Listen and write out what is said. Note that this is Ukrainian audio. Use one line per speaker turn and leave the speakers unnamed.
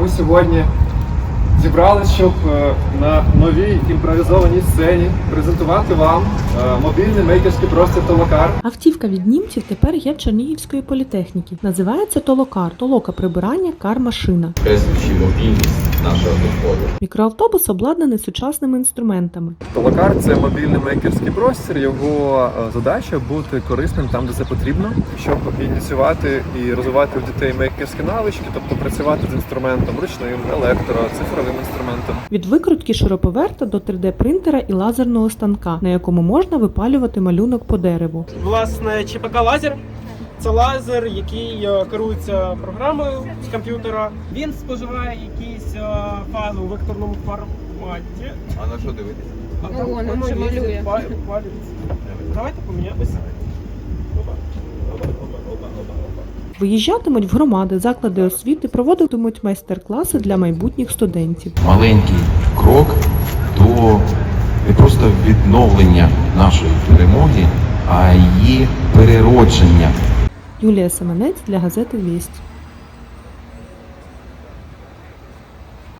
ми сьогодні зібралися, щоб на новій імпровізованій сцені презентувати вам мобільний мейкерський простір Толокар.
Автівка від німців тепер є в Чернігівської політехніки. Називається Толокар. Толока прибирання, кар-машина.
Підкреслюючи мобільність нашого доходу.
Мікроавтобус обладнаний сучасними інструментами.
Толокар – це мобільний мейкерський простір. Його задача бути корисним там, де це потрібно, щоб ініціювати і розвивати у дітей мейкерські навички, тобто працювати з інструментом ручним, електро, цифровим інструментом.
Від викрутки шуруповерта до 3D-принтера і лазерного станка, на якому можна випалювати малюнок по дереву.
Власне, ЧПК-лазер – це лазер, який керується програмою з комп'ютера. Він споживає якісь файли у векторному форматі.
А на що дивитися?
Воно
вже малює.
Давайте поміняємося.
Виїжджатимуть в громади, заклади освіти, проводитимуть майстер-класи для майбутніх студентів.
Маленький крок до не просто відновлення нашої перемоги, а її переродження.
Юлія Семенець для газети «Вість».